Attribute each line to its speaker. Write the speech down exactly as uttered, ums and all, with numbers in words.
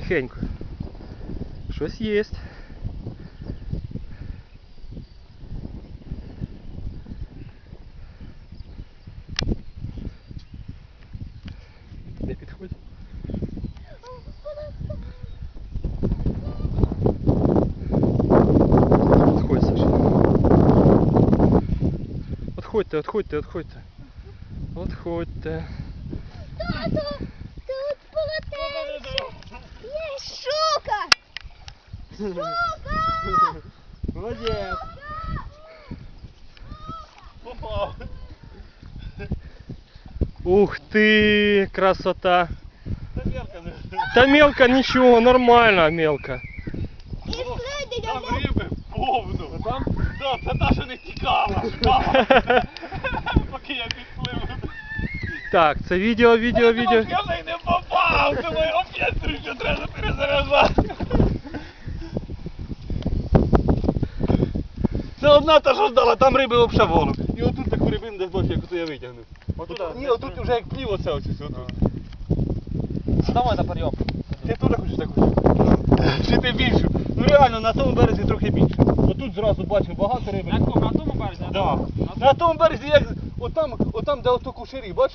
Speaker 1: Тихенько. Щось є. Не підходь. Отходь, Саша. Отходьте, отходьте, отходьте. Отходьте.
Speaker 2: Тату, тут полотенце. Є щука. Щука.
Speaker 3: Молодець. Попав.
Speaker 1: Ух ты, красота.
Speaker 3: Та мелка не.
Speaker 1: Та мелко нічого, нормально мелко.
Speaker 2: І слідить
Speaker 3: Там
Speaker 2: одне.
Speaker 3: риби повно. Там? Да, це та, що не тікала. Поки я підплив.
Speaker 1: Так, це відео, відео, відео.
Speaker 3: Я в неї не попав, тому опять тричі треба перезаряджати. Це одна та, що здала, там риби взагалі волок. І отут таку рибину десь бачу, яку я витягнув. Отут, ні, отут вже як плів оце ось ось отут.
Speaker 4: Давай на підйом.
Speaker 3: Ти теж хочеш таку? Чи ти більшу? Ну реально, на тому березі трохи більше. Отут зразу бачив багато риби.
Speaker 4: На якому? На тому березі?
Speaker 3: Да. На тому березі, як отам, отам де ото кушарі, бачиш?